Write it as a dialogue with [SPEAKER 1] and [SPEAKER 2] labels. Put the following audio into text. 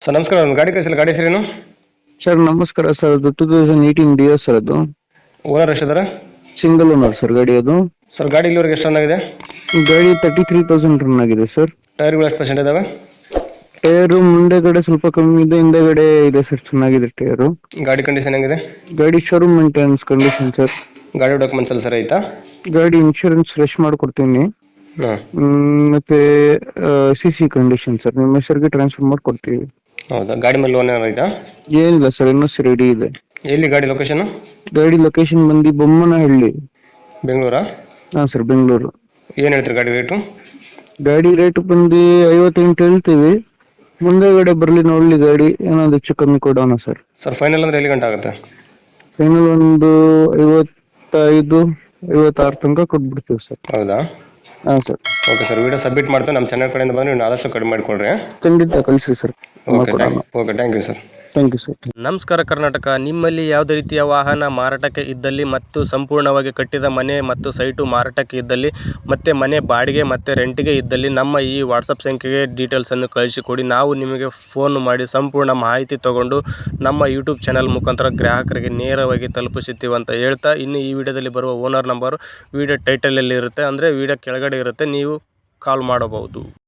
[SPEAKER 1] Sir ನಮಸ್ಕಾರ, ಒಂದು ಗಾಡಿ ಕಳಿಸಿಲ್ಲ, ಗಾಡಿ ಹೆಸರೇನು?
[SPEAKER 2] ಸರ್ ನಮಸ್ಕಾರ ಸರ್, ಅದು 2018 ಡಿಯೋ ಸರ್. ಅದು
[SPEAKER 1] ಓನರ್ ಎಷ್ಟಿದ್ದಾರೆ?
[SPEAKER 2] ಸಿಂಗಲ್ ಓನರ್ ಸರ್ ಗಾಡಿ. ಅದು
[SPEAKER 1] ಸರ್ ಗಾಡಿ ಇಲ್ಲಿವರೆಗೆ ಎಷ್ಟು ರನ್ ಆಗಿದೆ?
[SPEAKER 2] ಗಾಡಿ 33,000 ರನ್ ಆಗಿದೆ ಸರ್.
[SPEAKER 1] ಟೈರ್ಗಳು ಎಷ್ಟು ಪರ್ಸೆಂಟ್ ಇದಾವೆ?
[SPEAKER 2] ಟೈರು ಮುಂದೆಗಡೆ ಸ್ವಲ್ಪ ಕಮ್ಮಿ ಇದೆ, ಹಿಂದೆಗಡೆ ಇದೆ ಸರ್, ಚೆನ್ನಾಗಿದೆ ಟೈರು.
[SPEAKER 1] ಗಾಡಿ ಕಂಡೀಷನ್ ಹೆಂಗಿದೆ?
[SPEAKER 2] ಗಾಡಿ ಶೋರೂಮ್ ಮೇಂಟೆನೆನ್ಸ್ ಕಂಡೀಷನ್ ಸರ್.
[SPEAKER 1] ಗಾಡಿ ಡಾಕ್ಯುಮೆಂಟ್ಸ್ ಎಲ್ಲ ಸರಿ ಐತಾ?
[SPEAKER 2] ಗಾಡಿ ಇನ್ಶೂರೆನ್ಸ್ ಫ್ರೆಶ್ ಮಾಡ್ಕೊಡ್ತೀನಿ.
[SPEAKER 1] ಹಾಂ.
[SPEAKER 2] ಮತ್ತೆ CC ಕಂಡೀಷನ್ ಸರ್, ನಿಮ್ಮ ಹೆಸರಿಗೆ ಟ್ರಾನ್ಸ್ಫರ್ ಮಾಡ್ಕೊಡ್ತೀವಿ.
[SPEAKER 1] ಹೌದಾ? ಗಾಡಿ ಮೇಲೆ ಲೋನ್ ಏನಾರು ಐತಾ?
[SPEAKER 2] ಏನಿಲ್ಲ ಸರ್, ಇನ್ನೂ ರೆಡಿ ಇದೆ.
[SPEAKER 1] ಎಲ್ಲಿ ಗಾಡಿ ಲೊಕೇಶನ್?
[SPEAKER 2] ಗಾಡಿ ಲೊಕೇಶನ್ ಬಂದು ಬೊಮ್ಮನಹಳ್ಳಿ.
[SPEAKER 1] ಬೆಂಗಳೂರಾ?
[SPEAKER 2] ಹಾಂ ಸರ್, ಬೆಂಗಳೂರು.
[SPEAKER 1] ಏನು ಹೇಳ್ತೀರಿ ಗಾಡಿ ರೇಟು?
[SPEAKER 2] ಗಾಡಿ ರೇಟ್ ಬಂದು 58 ಹೇಳ್ತೀವಿ. ಮುಂದೆಗಡೆ ಬರಲಿ ನೋಡ್ಲಿ, ಗಾಡಿ ಏನಾದ್ರು ಹೆಚ್ಚು ಕಮ್ಮಿ ಕೊಡೋಣ ಸರ್.
[SPEAKER 1] ಸರ್ ಫೈನಲ್ ಅಂದ್ರೆ ಎಲ್ಲಿ ಗಂಟೆ ಆಗುತ್ತೆ?
[SPEAKER 2] ಫೈನಲ್ ಒಂದು 55-56 ತನಕ ಕೊಟ್ಬಿಡ್ತೀವಿ ಸರ್.
[SPEAKER 1] ಹೌದಾ?
[SPEAKER 2] ಹಾಂ sir.
[SPEAKER 1] Okay sir, video submit ಮಾಡ್ತಾ ನಮ್ಮ ಚಾನಲ್ ಕಡೆಯಿಂದ ಬಂದರೆ ನೀವು ಆದಷ್ಟು ಕಡಿಮೆ ಮಾಡಿಕೊಡ್ರಿ.
[SPEAKER 2] ಖಂಡಿತ ಕಳಿಸಿ ಸರ್,
[SPEAKER 1] ಓಕೆ
[SPEAKER 2] ಮಾಡ್ಕೊಡೋಣ.
[SPEAKER 1] Thank you sir.
[SPEAKER 2] Thank you sir.
[SPEAKER 3] ನಮಸ್ಕಾರ ಕರ್ನಾಟಕ. ನಿಮ್ಮಲ್ಲಿ ಯಾವುದೇ ರೀತಿಯ ವಾಹನ ಮಾರಾಟಕ್ಕೆ ಇದ್ದಲ್ಲಿ ಮತ್ತು ಸಂಪೂರ್ಣವಾಗಿ ಕಟ್ಟಿದ ಮನೆ ಮತ್ತು ಸೈಟು ಮಾರಾಟಕ್ಕೆ ಇದ್ದಲ್ಲಿ ಮತ್ತು ಮನೆ ಬಾಡಿಗೆ ಮತ್ತು ರೆಂಟಿಗೆ ಇದ್ದಲ್ಲಿ ನಮ್ಮ ಈ ವಾಟ್ಸಪ್ ಸಂಖ್ಯೆಗೆ ಡೀಟೇಲ್ಸನ್ನು ಕಳಿಸಿಕೊಡಿ. ನಾವು ನಿಮಗೆ ಫೋನ್ ಮಾಡಿ ಸಂಪೂರ್ಣ ಮಾಹಿತಿ ತಗೊಂಡು ನಮ್ಮ ಯೂಟ್ಯೂಬ್ ಚಾನಲ್ ಮುಖಾಂತರ ಗ್ರಾಹಕರಿಗೆ ನೇರವಾಗಿ ತಲುಪಿಸುತ್ತೀವಿ ಅಂತ ಹೇಳ್ತಾ, ಇನ್ನು ಈ ವಿಡಿಯೋದಲ್ಲಿ ಬರುವ ಓನರ್ ನಂಬರು ವಿಡಿಯೋ ಟೈಟಲಲ್ಲಿ ಇರುತ್ತೆ, ಅಂದರೆ ವಿಡಿಯೋ ಕೆಳಗಡೆ ಇರುತ್ತೆ, ನೀವು ಕಾಲ್ ಮಾಡಬಹುದು.